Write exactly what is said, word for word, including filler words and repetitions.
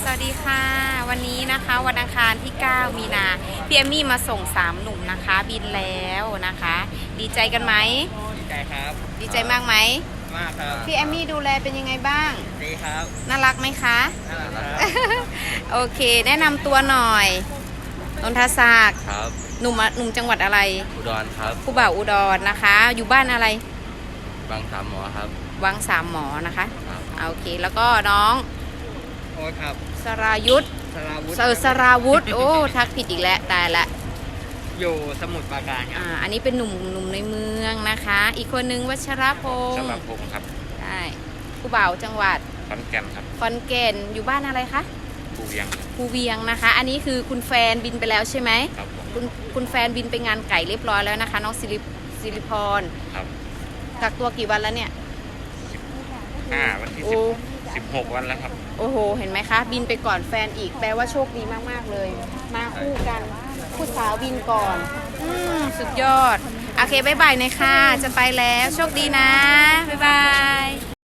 สวัสดีค่ะวันนี้นะคะวันอังคารที่เก้ามีนาพี่เอมมี่มาส่งสามหนุ่มนะคะบินแล้วนะคะ ดีใจกันไหมดีใจครับดีใจมากไหมมากครับพี่เอมมี่ดูแลเป็นยังไงบ้างดีครับน่ารักไหมคะน่ารักครับโอเคแนะนำตัวหน่อยนนทศักดิ์ครับหนุ่มหนุ่มจังหวัดอะไรอุดรครับผู้บ่าวอุดรนะคะอยู่บ้านอะไรบางสามหมอครับวังสามหมอนะคะโอเคแล้วก็น้องโอ้ครับสรายุทธสราวุธเออสราวุธโอ้ทักผิดอีกแล้วตายละอยู่สมุทรปราการครับอ่าอันนี้เป็นหนุ่มหนุ่มในเมืองนะคะอีกคนนึงวัชรพงศ์ชลพงศ์ครับได้ผู้บ่าวจังหวัดขอนแก่นครับขอนแก่นอยู่บ้านอะไรคะภูเวียงภูเวียงนะคะอันนี้คือคุณแฟนบินไปแล้วใช่ไหมครับคุณคุณแฟนบินไปงานไก่เรียบร้อยแล้วนะคะน้องสิริสิริพรครับกักตัวกี่วันแล้วเนี่ยห้าวันที่สิบสิบหกวันแล้วครับโอ้โหเห็นไหมคะบินไปก่อนแฟนอีกแปลว่าโชคดีมากๆเลยมาคู่กันผู้สาวบินก่อนอืมสุดยอดโอเคบ๊ายบายเลยค่ะจะไปแล้วโชคดีนะบ๊ายบาย